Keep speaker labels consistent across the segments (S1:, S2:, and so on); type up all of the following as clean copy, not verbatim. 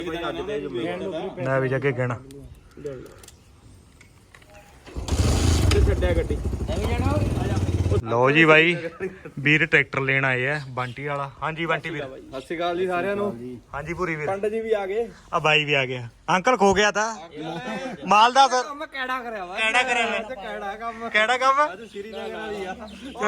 S1: ਨਾ ਵੀ ਜੱਗੇ ਕਹਿਣਾ
S2: ਛੱਡਿਆ ਗੱਡੀ
S1: ਲਓ ਜੀ ਬਾਈ ਵੀਰ ਟਰੈਕਟਰ ਲੈਣ ਆਏ ਆ ਬੰਟੀ ਵਾਲਾ। ਹਾਂਜੀ ਬੰਟੀ ਵੀਰ
S2: ਸਤਿ ਸ਼੍ਰੀ ਅਕਾਲ ਜੀ ਸਾਰਿਆਂ ਨੂੰ।
S1: ਹਾਂਜੀ ਪੂਰੀ ਵੀਰ
S2: ਪੰਡ ਜੀ ਵੀ ਆ ਗਏ।
S1: ਆ ਬਾਈ ਵੀ ਆ ਗਿਆ। ਅੰਕਲ ਖੋ ਗਿਆ ਤਾਂ ਮਾਲ ਦਾ ਸਰ
S2: ਕੰਮ ਕਿਹੜਾ ਕਰਿਆ ਵਾ?
S1: ਕਿਹੜਾ ਕਰਿਆ ਵਾ?
S2: ਕਿਹੜਾ ਕੰਮ?
S1: ਕਿਹੜਾ ਕੰਮ?
S2: ਅੱਜ ਸ਼੍ਰੀਨਗਰ ਵਾਲੀ ਆ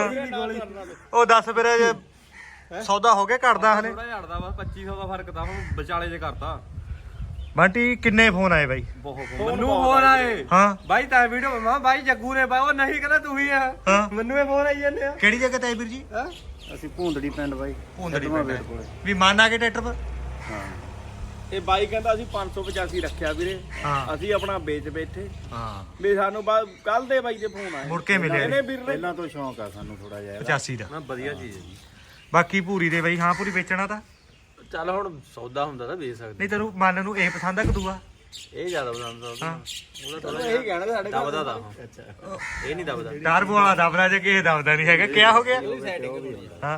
S1: ਉਹ ਦੱਸ ਫਿਰ ਸੌਦਾ ਹੋ ਗਿਆ ਘਟਦਾ ਹਲੇ
S2: ਥੋੜਾ ਝੜਦਾ ਵਾ 2500 ਦਾ ਫਰਕ ਤਾਂ ਹੁਣ ਵਿਚਾਲੇ ਜੇ ਕਰਤਾ।
S1: ਬੰਟੀ ਕਿੰਨੇ ਫੋਨ ਆਏ ਬਾਈ?
S2: ਮੈਨੂੰ ਫੋਨ ਆਏ
S1: ਹਾਂ
S2: ਬਾਈ ਤਾਂ ਵੀਡੀਓ ਮਾ ਬਾਈ ਜੱਗੂ ਨੇ ਬਾਈ ਉਹ ਨਹੀਂ ਕਹਿੰਦਾ ਤੂੰ ਹੀ ਆ।
S1: ਹਾਂ
S2: ਮੈਨੂੰ ਇਹ ਫੋਨ ਆਈ ਜਾਂਦੇ ਆ।
S1: ਕਿਹੜੀ ਜਗ੍ਹਾ ਤੇ ਆਏ ਵੀਰ ਜੀ?
S3: ਅਸੀਂ ਭੂੰਦੜੀ ਪਿੰਡ ਬਾਈ
S1: ਭੂੰਦੜੀ ਪਿੰਡ ਵੀ ਮੰਨ ਆ ਕੇ ਟਰੈਕਟਰ ਪਰ।
S3: ਹਾਂ
S2: ਇਹ ਬਾਈ ਕਹਿੰਦਾ ਅਸੀਂ 585 ਰੱਖਿਆ ਵੀਰੇ।
S1: ਹਾਂ
S2: ਅਸੀਂ ਆਪਣਾ ਵੇਚ ਬੈਠੇ
S1: ਹਾਂ
S2: ਵੀ ਸਾਨੂੰ ਬਾਅਦ ਕੱਲ ਦੇ ਬਾਈ ਦੇ ਫੋਨ ਆਏ
S1: ਮੁੜ ਕੇ ਮਿਲਿਆ
S2: ਇਹਨੇ ਵੀਰ ਨੇ
S3: ਪਹਿਲਾਂ ਤੋਂ ਸ਼ੌਂਕ ਆ ਸਾਨੂੰ ਥੋੜਾ ਜਿਹਾ
S1: 85 ਦਾ।
S2: ਨਾ ਵਧੀਆ ਚੀਜ਼ ਹੈ ਜੀ।
S1: ਬਾਕੀ ਪੂਰੀ ਦੇ ਬਾਈ ਹਾਂ ਪੂਰੀ ਵੇਚਣਾ ਤਾਂ
S2: ਚੱਲ ਹੁਣ ਸੌਦਾ ਹੁੰਦਾ ਤਾਂ ਵੇਚ ਸਕਦੇ
S1: ਨਹੀਂ ਤੈਨੂੰ ਮਨ ਨੂੰ ਇਹ ਪਸੰਦ ਆ ਕਦੂਆ?
S2: ਇਹ ਜ਼ਿਆਦਾ ਪਸੰਦ ਆ
S1: ਹਾਂ
S2: ਉਹਦਾ ਥੋੜਾ ਇਹੀ ਕਹਿਣਾ ਸਾਡੇ ਕੋਲ ਦਬਦਾ ਦਾ। ਅੱਛਾ ਇਹ ਨਹੀਂ ਦਬਦਾ
S1: ਟਰਬੋ ਵਾਲਾ ਦਬਦਾ ਜੇ ਕਿਸੇ ਦਬਦਾ ਨਹੀਂ ਹੈਗਾ। ਕਿਆ ਹੋ ਗਿਆ? ਹਾਂ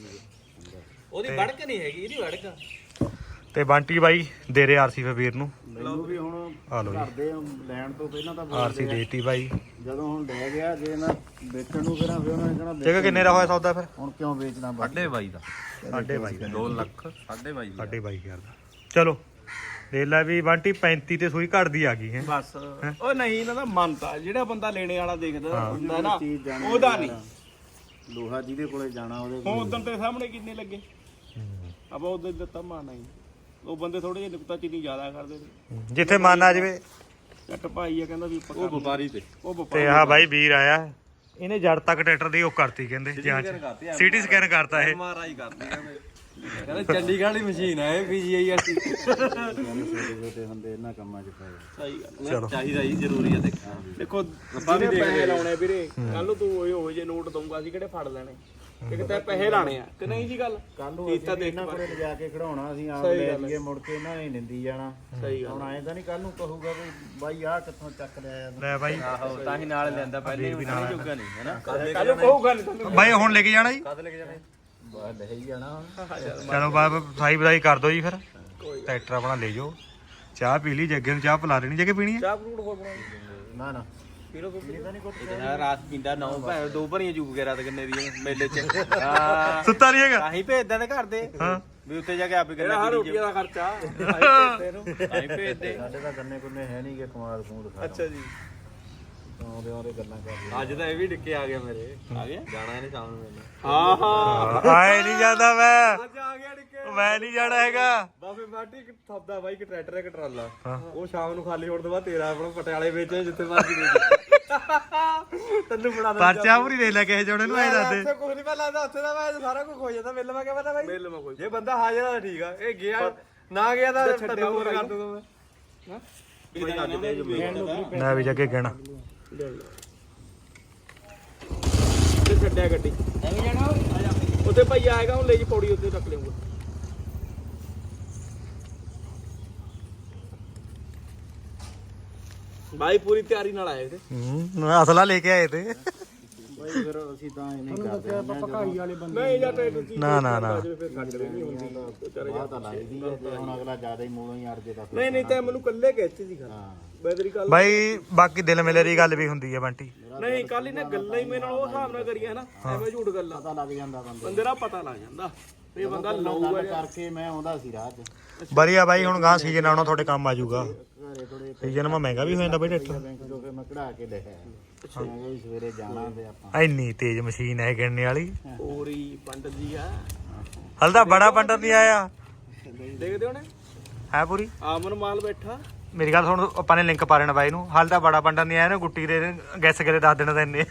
S2: ਉਹਦੀ ਵੜਕ ਨਹੀਂ ਹੈਗੀ ਇਹਦੀ ਵੜਕ।
S1: ਤੇ ਬੰਟੀ ਬਾਈ ਦੇ ਰਹੇ ਆਰਸੀ ਵੀਰ ਨੂੰ।
S3: ਮੈਨੂੰ ਵੀ ਹੁਣ
S1: ਆ ਲਓ ਜੀ
S3: ਕਰਦੇ ਲੈਣ ਤੋਂ ਪਹਿਲਾਂ ਤਾਂ
S1: ਆਰਸੀ ਦੇਤੀ ਬਾਈ।
S3: ਜਦੋਂ ਹੁਣ ਲੈ ਗਿਆ ਜੇ ਨਾ ਵੇਚਣ ਨੂੰ ਫਿਰ ਉਹਨਾਂ ਨੇ ਕਹਿਣਾ
S1: ਜਗ੍ਹਾ ਕਿੰਨੇ ਦਾ ਹੋਇਆ ਸੌਦਾ ਫਿਰ?
S3: ਹੁਣ ਕਿਉਂ ਵੇਚਣਾ ਬਾਈ?
S2: 22.5 ਦਾ
S1: 22.5
S2: 2 ਲੱਖ 22.5
S1: 22.5 ਦਾ। ਚਲੋ ਦੇਖ ਲੈ ਵੀ ਬੰਟੀ 35 ਤੇ ਸੂਈ ਘਟਦੀ ਆ ਗਈ ਹੈ
S2: ਬਸ ਉਹ ਨਹੀਂ ਇਹਨਾਂ ਦਾ ਮੰਨਤਾ ਜਿਹੜਾ ਬੰਦਾ ਲੈਣੇ ਵਾਲਾ ਦੇਖਦਾ ਹੁੰਦਾ ਨਾ
S3: ਚੀਜ਼ ਜਾਣੀ
S2: ਉਹਦਾ ਨਹੀਂ।
S3: ਲੋਹਾ ਜਿਹਦੇ ਕੋਲੇ ਜਾਣਾ ਉਹਦੇ
S2: ਹੁਣ ਉਦੋਂ ਤੇਰੇ ਸਾਹਮਣੇ ਕਿੰਨੇ ਲੱਗੇ ਆਪਾਂ ਉਦੋਂ ਦਿੱਤਾ ਮਾਨਾ ਹੀ। ਉਹ ਬੰਦੇ ਥੋੜੇ ਜਿਹੇ ਨੁਕਤਾ ਚੀਨੀ ਜ਼ਿਆਦਾ ਕਰਦੇ ਨੇ।
S1: ਜਿੱਥੇ ਮਨ ਆ ਜਾਵੇ।
S2: ਚੱਟ ਭਾਈ ਆ ਕਹਿੰਦਾ ਵੀ ਉਹ ਵਪਾਰੀ ਤੇ ਉਹ
S1: ਤੇ
S2: ਵਪਾਰੀ
S1: ਆਹ ਬਾਈ ਵੀਰ ਆਇਆ ਇਹਨੇ ਜੜ ਤੱਕ ਟਰੈਕਟਰ ਦੀ ਉਹ ਕਰਤੀ ਕਹਿੰਦੇ ਜਾਂਚ ਸਿਟੀ ਸਕੈਨ ਕਰਤਾ ਇਹ।
S2: MRI ਕਰਦੀ ਕਹਿੰਦਾ ਚੰਡੀਗੜ੍ਹ ਵਾਲੀ ਮਸ਼ੀਨ ਹੈ ਇਹ PGI
S3: ਛੋਟੇ ਹੁੰਦੇ ਇਹਨਾਂ ਕੰਮਾਂ 'ਚ ਪਏ।
S2: ਸਹੀ ਗੱਲ
S1: ਚਲੋ
S2: ਚਾਹੀਦਾ ਜੀ ਜ਼ਰੂਰੀ ਹੈ ਦੇਖੋ ਆਪਾਂ ਵੀ ਪੈਸੇ ਲਾਉਣੇ ਵੀਰੇ। ਕੱਲ ਨੂੰ ਤੂੰ ਉਹ ਜੇ ਨੋਟ ਦਊਂਗਾ ਅਸੀਂ ਕਿਹੜੇ ਫੜ ਲੈਣੇ ਇੱਕ ਤਾਂ ਪੈਸੇ ਲਾਣੇ ਆ ਕਿ ਨਹੀਂ ਜੀ ਗੱਲ।
S3: ਕੱਲ ਨੂੰ
S2: ਚੀਜ਼ ਤਾਂ
S3: ਅਸੀਂ
S2: ਦੇਖ
S3: ਇਹਨਾਂ ਕੋਲੇ ਲਿਜਾ ਕੇ ਖੜਾਉਣਾ ਅਸੀਂ ਆਪ
S2: ਸਹੀ
S3: ਲੈ
S2: ਗੱਲ ਹੈ।
S3: ਜਾਈਏ ਮੁੜ ਕੇ ਇਹਨਾਂ ਨੇ ਨਿੰਦੀ ਜਾਣਾ।
S2: ਸਹੀ ਗੱਲ
S3: ਹੁਣ ਆਏ ਤਾਂ ਨਹੀਂ ਕੱਲ ਨੂੰ ਕਹੂਗਾ ਵੀ ਬਾਈ ਆਹ ਕਿੱਥੋਂ ਚੱਕ ਲਿਆ
S1: ਲੈ ਬਾਈ
S2: ਆਹੋ ਤਾਂ ਹੀ ਨਾਲ ਲੈਂਦਾ ਪਹਿਲੇ ਵੀ ਨਾਲ ਜੋਗਾ ਨਹੀਂ ਹੈ ਨਾ ਕੱਲ ਨੂੰ ਕਹੂਗਾ ਨਹੀਂ
S1: ਬਾਈ ਹੁਣ ਲੈ ਕੇ ਜਾਣਾ ਜੀ?
S2: ਕਦ ਲੈ ਕੇ ਜਾਣਾ
S3: ਬਾਹਰ ਲੈ ਹੀ ਜਾਣਾ ਹੁਣ।
S1: ਚਲੋ ਬਾਬਾ ਸਾਈ ਬਦਾਈ ਕਰ ਦੋ ਜੀ ਫਿਰ। ਟਰੈਕਟਰ ਆਪਣਾ ਲੈ ਜਾਓ। ਚਾਹ ਪੀ ਲਈ ਜੱਗੇ ਨੂੰ ਚਾਹ ਪਿਲਾ ਦੇਣੀ ਜੱਗੇ ਪੀਣੀ ਹੈ?
S2: ਚਾਹ ਫਰੂਟ ਹੋਰ ਬਣਾਉਣੀ
S3: ਨਾ ਨਾ
S2: ਪੀਰੋ ਕੋ ਇਹਦਾ ਰਾਤ ਪੀਂਦਾ 9 ਭੈ 2 ਭਰੀਆਂ ਜੂਗ ਕੇ ਰਾਤ ਕਿੰਨੇ ਦੀ ਮੇਲੇ ਚ। ਹਾਂ
S1: ਸੁੱਤਾ ਨਹੀਂ ਹੈਗਾ?
S2: ਆਹੀ ਭੇਜਦਾ ਨੇ ਘਰ ਦੇ
S1: ਹਾਂ
S2: ਵੀ ਉੱਤੇ ਜਾ ਕੇ ਆਪੇ ਕਿੰਨਾ ਰੋਟੀਆਂ ਦਾ ਖਰਚਾ ਆਹੀ ਭੇਜਦੇ।
S3: ਸਾਡੇ ਤਾਂ ਗੰਨੇ ਗੁੰਨੇ ਹੈ ਨਹੀਂ ਕਿ ਕੁਮਾਰ ਕੂੰਡ ਖਾ
S2: ਅੱਛਾ ਜੀ
S3: ਆਉਂਦੇ ਆਉਂਦੇ ਗੱਲਾਂ ਕਰਦੇ।
S2: ਅੱਜ ਤਾਂ ਇਹ ਵੀ ਡਿੱਕੇ ਆ ਗਿਆ ਮੇਰੇ। ਆ ਗਿਆ ਜਾਣਾ ਇਹਨੇ ਸ਼ਾਮ ਨੂੰ ਮੈਨੂੰ। ਹਾਂ ਹਾਂ
S1: ਆਏ ਨਹੀਂ ਜਾਂਦਾ ਮੈਂ।
S2: ਅੱਜ ਆ ਗਿਆ ਡਿੱਕੇ।
S1: ਮੈਂ ਨਹੀਂ ਜਾਣਾ ਹੈਗਾ।
S2: ਬਾਬੇ ਮਾਟੀ ਇੱਕ ਥੱਬਦਾ ਬਾਈ ਇੱਕ ਟਰੈਕਟਰ ਇੱਕ ਟਰਾਲਾ।
S1: ਹਾਂ।
S2: ਉਹ ਸ਼ਾਮ ਨੂੰ ਖਾਲੀ ਹੋਣ ਤੋਂ ਬਾਅਦ ਤੇਰਾ ਆਪਣਾ ਪਟਿਆਲੇ ਵਿੱਚ ਜਿੱਥੇ ਮਰਜੀ ਦੇ ਤੈਨੂੰ ਬਣਾ ਦੇ
S1: ਪਰਚਾ ਪੂਰੀ ਦੇ ਲੈ ਕਿਸੇ ਜੋੜੇ ਨੂੰ ਐ ਦੱਸ ਦੇ।
S2: ਉੱਥੇ ਕੁਝ ਨਹੀਂ ਪਤਾ ਲੱਗਦਾ। ਉੱਥੇ ਦਾ ਮੈਂ ਸਾਰਾ ਕੁਝ ਹੋ ਜਾਂਦਾ। ਮਿਲ ਮੈਂ ਕਿਹਾ ਪਤਾ ਬਾਈ ਮਿਲ ਮੈਂ ਕੋਈ ਜੇ ਬੰਦਾ ਹਾਜ਼ਰ ਆ ਤਾਂ ਠੀਕ ਆ। ਇਹ ਗਿਆ ਨਾ ਗਿਆ ਤਾਂ ਛੱਡਿਆ ਹੋਰ ਕਰ ਦੂੰਗਾ ਮੈਂ।
S1: ਨਾ ਵੀ ਜੱਗੇ ਕਹਿਣਾ
S2: ਤੇ ਛੱਡਿਆ ਗੱਡੀ ਐਵੇਂ ਜਾਣਾ ਉੱਥੇ ਭਾਈ ਆਏਗਾ ਉਹ ਲੈ ਜੀ ਪੌੜੀ ਉੱਤੇ ਰੱਖ ਲਿਆਉਂਗਾ। ਭਾਈ ਪੂਰੀ ਤਿਆਰੀ ਨਾਲ ਆਏ ਤੇ
S1: ਅਸਲਾ ਲੈ ਕੇ ਆਏ ਤੇ।
S3: ਬਾਈ ਫਿਰ ਅਸੀਂ ਤਾਂ ਇਹ ਨਹੀਂ ਕਰਦੇ
S2: ਨਹੀਂ ਜਾਂ ਟ੍ਰੇਨ
S1: ਨਾ ਨਾ ਨਾ
S2: ਫਿਰ ਛੱਡ ਨਹੀਂ ਹੁੰਦੀ
S3: ਬਾਹ ਤਾਂ ਲੱਗਦੀ ਹੈ ਤੇ ਹੁਣ ਅਗਲਾ ਜ਼ਿਆਦਾ ਹੀ ਮੂਲੋਂ ਹੀ ਅੜ ਜੇ ਤਾਂ
S2: ਨਹੀਂ ਨਹੀਂ ਤਾਂ ਮੈਨੂੰ ਕੱਲੇ ਕਹਿਤੀ ਸੀ ਗੱਲ
S3: ਹਾਂ
S2: ਬੈਦਰੀ ਕੱਲ
S1: ਬਾਈ ਬਾਕੀ ਦਿਲ ਮਿਲੇ ਦੀ ਗੱਲ ਵੀ ਹੁੰਦੀ ਹੈ ਬੰਟੀ।
S2: ਨਹੀਂ ਕੱਲ ਇਹਨੇ ਗੱਲਾਂ ਹੀ ਮੇਰੇ ਨਾਲ ਉਹ ਹਿਸਾਬ ਨਾਲ ਕਰੀਆਂ ਨਾ ਐਵੇਂ ਝੂਠ ਗੱਲਾਂ
S3: ਪਤਾ ਲੱਗ ਜਾਂਦਾ ਬੰਦੇ
S2: ਬੰਦੇ ਦਾ ਪਤਾ ਲੱਗ ਜਾਂਦਾ ਇਹ ਬੰਦਾ ਲਾਊਗਾ
S3: ਗੱਲ ਕਰਕੇ ਮੈਂ ਆਉਂਦਾ ਸੀ ਰਾਹ 'ਚ
S1: ਵਧੀਆ ਬਾਈ ਹੁਣ ਗਾਂ ਸੀਜ਼ਨ ਆਉਣਾ ਤੁਹਾਡੇ ਕੰਮ ਆ ਜਾਊਗਾ।
S3: ਘਰੇ ਥੋੜੇ
S1: ਸੀਜ਼ਨ ਮਾ ਮਹਿੰਗਾ ਵੀ ਹੋ ਜਾਂਦਾ ਬਾਈ ਟਰੈਕਟਰ।
S3: ਬੈਂਕ ਤੋਂ ਫਿਰ ਮੈਂ ਕਢਾ ਕੇ ਲੈ ਆਇਆ। ਮੈਂ ਕਿਹਾ ਵੀ ਸਵੇਰੇ ਜਾਣਾ ਤੇ ਆਪਾਂ
S1: ਇੰਨੀ ਤੇਜ਼ ਮਸ਼ੀਨ ਹੈ ਗਿਣਨੇ ਵਾਲੀ।
S2: ਪੂਰੀ ਪੰਡਤ ਜੀ ਆ
S1: ਹਲ ਤਾਂ ਬੜਾ ਪੰਡਤ ਨਹੀਂ ਆਇਆ
S2: ਦੇਖਦੇ ਹੋਣੇ
S1: ਹੈ ਪੂਰੀ।
S2: ਆਮਨ ਮਾਲ ਬੈਠਾ
S1: ਮੇਰੀ ਗੱਲ ਸੁਣ ਆਪਾਂ ਨੇ ਲਿੰਕ ਪਾ ਲੈਣਾ ਬਾਈ ਨੂੰ। ਹਾਲ ਤਾਂ ਬੜਾ ਪੰਡਤ ਨਹੀਂ ਆਇਆ ਨਾ ਗੁੱਟੀ ਦੇ ਗੈਸ ਕਰੇ 10 ਦਿਨ ਦਾ ਇੰਨੇ।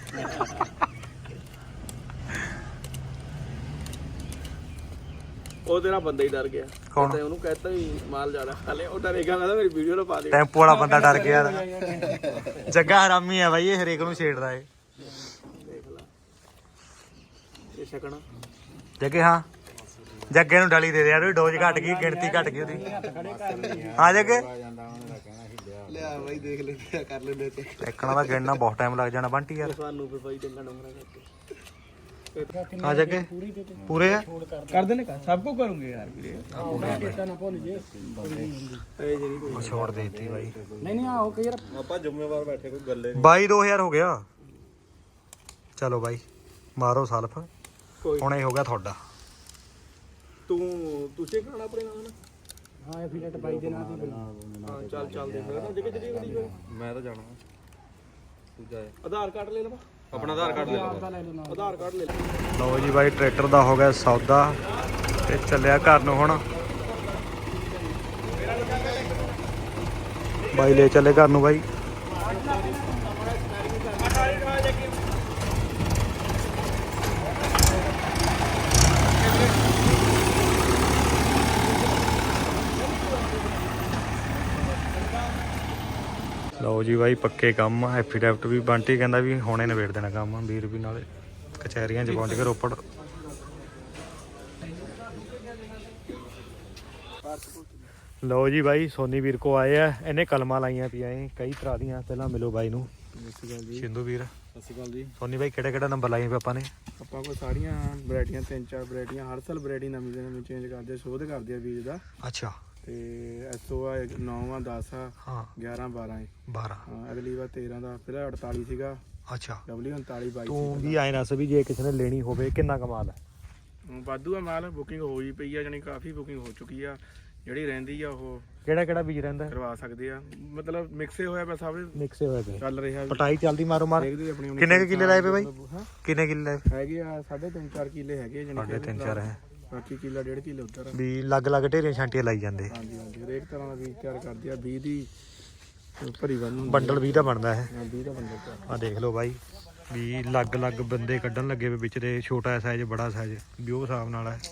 S2: ਉਹ ਤੇਰਾ ਬੰਦਾ ਹੀ ਡਰ ਗਿਆ।
S1: ਕੌਣ?
S2: ਤੇ ਉਹਨੂੰ ਕਹਿਤਾ ਵੀ ਮਾਲ ਜ਼ਿਆਦਾ ਖਾ ਲਿਆ। ਉਹ ਡਰੇਗਾ ਮੈਂ ਮੇਰੀ ਵੀਡੀਓ ਨਾ ਪਾ ਦੇ।
S1: ਟੈਂਪੋ ਵਾਲਾ ਬੰਦਾ ਡਰ ਗਿਆ। ਜੱਗਾ ਹਰਾਮੀ ਹੈ ਬਾਈ ਇਹ ਹਰੇਕ ਨੂੰ ਛੇੜਦਾ ਏ।
S2: ਦੇਖ ਲਾ ਇਹ ਛਕਣਾ
S1: ਜੱਗੇ ਹਾਂ ਜੱਗੇ ਨੂੰ ਡਲੀ ਦੇ ਦੇ ਯਾਰ ਉਹਦੀ ਡੋਜ਼ ਘਟ ਗਈ ਗਿਣਤੀ ਘਟ ਗਈ ਉਹਦੀ। ਹਾਂ ਜੱਗੇ
S3: ਆ ਜਾਂਦਾ ਉਹਨਾਂ ਦਾ ਕਹਿਣਾ ਸੀ ਲਿਆ
S2: ਲਿਆ ਬਾਈ ਦੇਖ ਲੈਂਦੇ ਕਰ ਲੈਂਦੇ ਤੇ
S1: ਦੇਖਣਾ ਦਾ ਗਿਣਨਾ ਬਹੁਤ ਟਾਈਮ ਲੱਗ ਜਾਣਾ ਬੰਟੀ ਯਾਰ।
S2: ਸਾਨੂੰ ਫਿਰ ਬਾਈ ਡੰਗਾ ਡੰਗਰਾ ਕਰਕੇ
S1: ਆ ਜੱਗੇ ਪੂਰੇ ਆ
S2: ਕਰ ਦੇਣੇ ਕਾ ਸਭ ਕੁਝ ਕਰੂੰਗੇ ਯਾਰ ਵੀਰੇ
S1: ਛੋੜ ਦੇਤੀ ਬਾਈ
S3: ਨਹੀਂ ਆਓ ਕਿ ਯਾਰ
S2: ਆਪਾਂ ਜ਼ਿੰਮੇਵਾਰ ਬੈਠੇ ਕੋਈ ਗੱਲੇ
S1: 22,000 ਹੋ ਗਿਆ ਚਲੋ ਬਾਈ ਮਾਰੋ ਸਲਫ ਹੁਣ ਇਹ ਹੋ ਗਿਆ ਤੁਹਾਡਾ
S2: ਤੁਸੀਂ ਕਰਾਉਣਾ ਆਪਣੇ ਨਾਲ
S3: ਹਾਂ ਐਫੀਡੇਟ ਬਾਈ ਦੇ ਨਾਂ ਦੀ
S2: ਹਾਂ ਚੱਲ ਚੱਲਦੇ ਫਿਰ ਜਗੇ ਮੈਂ ਤਾਂ ਜਾਣਾ ਤੂੰ ਜਾ ਆਧਾਰ ਕਾਰਡ ਲੈ ਲਵਾ ਆਪਣਾ ਆਧਾਰ ਕਾਰਡ ਲੈ ਲਵਾ ਆਧਾਰ ਕਾਰਡ ਲੈ ਲੈ
S1: ਲਓ ਜੀ ਬਾਈ ਟਰੈਕਟਰ ਦਾ ਹੋ ਗਿਆ ਸੌਦਾ ਤੇ ਚੱਲਿਆ ਘਰ ਨੂੰ ਹੁਣ ਬਾਈ ਲੈ ਚੱਲੇ ਘਰ ਨੂੰ ਬਾਈ ਲਓ ਜੀ ਬਾਈ ਪੱਕੇ ਕੰਮ ਆ ਐਫੀਡੈਵਿਟ ਵੀ ਬੰਟੀ ਕਹਿੰਦਾ ਵੀ ਹੁਣੇ ਨਿਬੇੜ ਦੇਣਾ ਕੰਮ ਵੀਰ ਵੀ ਨਾਲੇ ਕਚਹਿਰੀਆਂ 'ਚ ਪਹੁੰਚ ਕੇ ਰੋਪੜ ਲਓ ਜੀ ਬਾਈ ਸੋਨੀ ਵੀਰ ਕੋ ਆਏ ਆ ਇਹਨੇ ਕਲਮਾਂ ਲਾਈਆਂ ਪਈਆਂ ਕਈ ਤਰ੍ਹਾਂ ਦੀਆਂ ਪਹਿਲਾਂ ਮਿਲੋ ਬਾਈ ਨੂੰ ਸਿੰਧੂ ਵੀਰ
S2: ਸਤਿ ਸ਼੍ਰੀ ਅਕਾਲ ਜੀ
S1: ਸੋਨੀ ਬਾਈ ਕਿਹੜਾ ਨੰਬਰ ਲਾਈਆਂ ਆਪਾਂ ਨੇ
S2: ਆਪਾਂ ਕੋਲ ਸਾਰੀਆਂ ਵੈਰਾਈਟੀਆਂ 3-4 ਵੈਰਾਈਟੀਆਂ ਹਰ ਸਾਲ ਵੈਰਾਈਟੀ ਨਵੀਂ ਦੇ ਨਵੀਂ ਚੇਂਜ ਕਰਦੇ ਸ਼ੋਧ ਕਰਦੇ ਆ ਬੀਜ ਦਾ
S1: ਅੱਛਾ
S2: ਤੇ ਐਸਓ ਆ 9 ਆ 10 ਆ
S1: ਹਾਂ
S2: 11 12 ਹੈ
S1: 12
S2: ਹਾਂ ਅਗਲੀ ਵਾਰ 13 ਦਾ ਫਿਰ 48 ਸੀਗਾ
S1: ਅੱਛਾ
S2: W39 22
S1: ਤੂੰ ਵੀ ਆਏ ਨਾ ਵੀ ਜੇ ਕਿਸੇ ਨੇ ਲੈਣੀ ਹੋਵੇ ਕਿੰਨਾ ਕਮਾਲ ਹੈ
S2: ਵਾਧੂ ਆ ਮਾਲ ਬੁਕਿੰਗ ਹੋਈ ਪਈ ਆ ਜਾਨੀ ਕਾਫੀ ਬੁਕਿੰਗ ਹੋ ਚੁੱਕੀ ਆ ਜਿਹੜੀ ਰਹਿੰਦੀ ਆ ਉਹ
S1: ਕਿਹੜਾ ਬੀਜ ਰਹਿੰਦਾ
S2: ਕਰਵਾ ਸਕਦੇ ਆ ਮਤਲਬ ਮਿਕਸੇ ਹੋਇਆ ਪਿਆ ਸਭ
S1: ਮਿਕਸੇ ਹੋਏ ਪਏ
S2: ਚੱਲ ਰਿਹਾ
S1: ਪਟਾਈ ਚੱਲਦੀ ਮਾਰੋ ਮਾਰ
S2: ਦੇਖਦੇ ਆਪਣੀ
S1: ਕਿੰਨੇ ਕਿੱਲੇ ਲਾਏ ਪਏ ਬਾਈ
S2: ਹਾਂ
S1: ਕਿੰਨੇ ਕਿੱਲੇ ਲਾਏ
S2: ਹੈਗੇ ਆ 3.5-4 ਕਿੱਲੇ ਹੈਗੇ ਜਾਨੀ
S1: 3.5 ਹੈ
S2: ਬਾਕੀ ਕਿੱਲਾ 1.5 ਕਿੱਲੇ ਉੱਧਰ
S1: ਵੀ ਲੱਗ ਢੇਰੀਆਂ ਛਾਂਟੀਆਂ ਲਾਈ ਜਾਂਦੇ
S2: ਹਾਂਜੀ ਹਾਂਜੀ ਹਰੇਕ ਤਰ੍ਹਾਂ ਦਾ ਬੀਜ ਤਿਆਰ ਕਰਦੇ ਆ 20 ਦੀ ਭਰੀ ਬੰਨ ਹੁੰਦੀ
S1: ਬੰਡਲ 20 ਦਾ ਬਣਦਾ ਹੈ
S2: 20 ਦਾ ਬੰਦਾ
S1: ਆ ਦੇਖ ਲਓ ਬਾਈ ਵੀ ਲੱਗ ਬੰਦੇ ਕੱਢਣ ਲੱਗੇ ਵੇ ਵਿੱਚ ਦੇ ਛੋਟਾ ਸਾਈਜ਼ ਬੜਾ ਸਾਈਜ਼ ਵੀ ਉਹ ਹਿਸਾਬ ਨਾਲ ਹੈ